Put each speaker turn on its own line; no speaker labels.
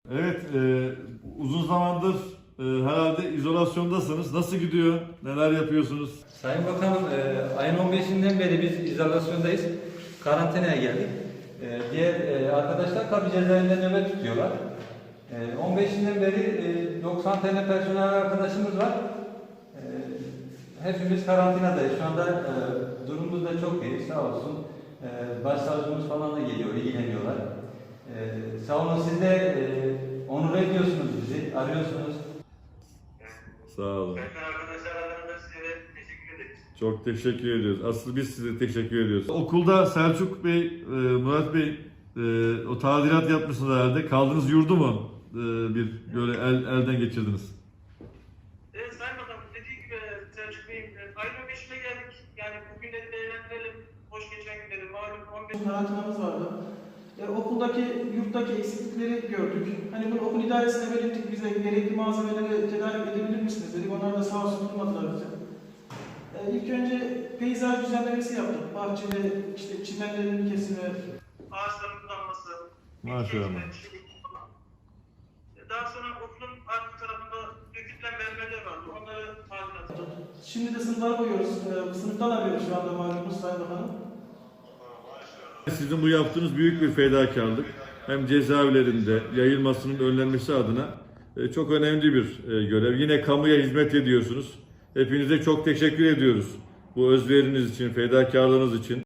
Evet, uzun zamandır herhalde izolasyondasınız. Nasıl gidiyor? Neler yapıyorsunuz?
Sayın Bakanım, ayın 15'inden beri biz izolasyondayız. Karantinaya geldik. Diğer arkadaşlar tabi cezaevinde nöbet tutuyorlar. 15'inden beri 90 tane personel arkadaşımız var. Hepimiz karantinadayız. Şu anda durumumuz da çok iyi. Sağ olsun. Başsavcımız falan da geliyor, ilgileniyorlar. Sağ olun, siz de onur ediyorsunuz bizi, arıyorsunuz.
Sağ olun.
Arkadaşlar adına size teşekkür ederiz.
Çok teşekkür ediyoruz. Asıl biz size teşekkür ediyoruz. Okulda Selçuk Bey, Murat Bey o tadilat yapmışsınız herhalde. Kaldığınız yurdu mu bir böyle elden geçirdiniz?
Evet Sayın Bakanım, dediği gibi Selçuk Bey, ayın 15'ine geldik. Yani bugünleri değerlendirelim. Hoş geçen günleri malum 15.
Karantinamız vardı. Okuldaki, yurttaki eksiklikleri gördük. Hani bunu okul idaresine belirttik, bize gerekli malzemeleri tedarik edebilir misiniz dedik. Onlar da sağ olsun durmadılar bize. İlk önce peyzaj düzenlemesi yaptık. Bahçede işte çimenlerin kesimi.
Ağaçların budanması.
Maşallah.
Daha sonra okulun arka tarafında dökülen mermerler vardı. Onları tadilat ettik.
Şimdi de sınıflara koyuyoruz. Sınıftan arıyoruz şu anda malumunuz Sayın Bakanım.
Sizin bu yaptığınız büyük bir fedakarlık. Hem cezaevlerinde yayılmasının önlenmesi adına çok önemli bir görev. Yine kamuya hizmet ediyorsunuz. Hepinize çok teşekkür ediyoruz. Bu özveriniz için, fedakarlığınız için.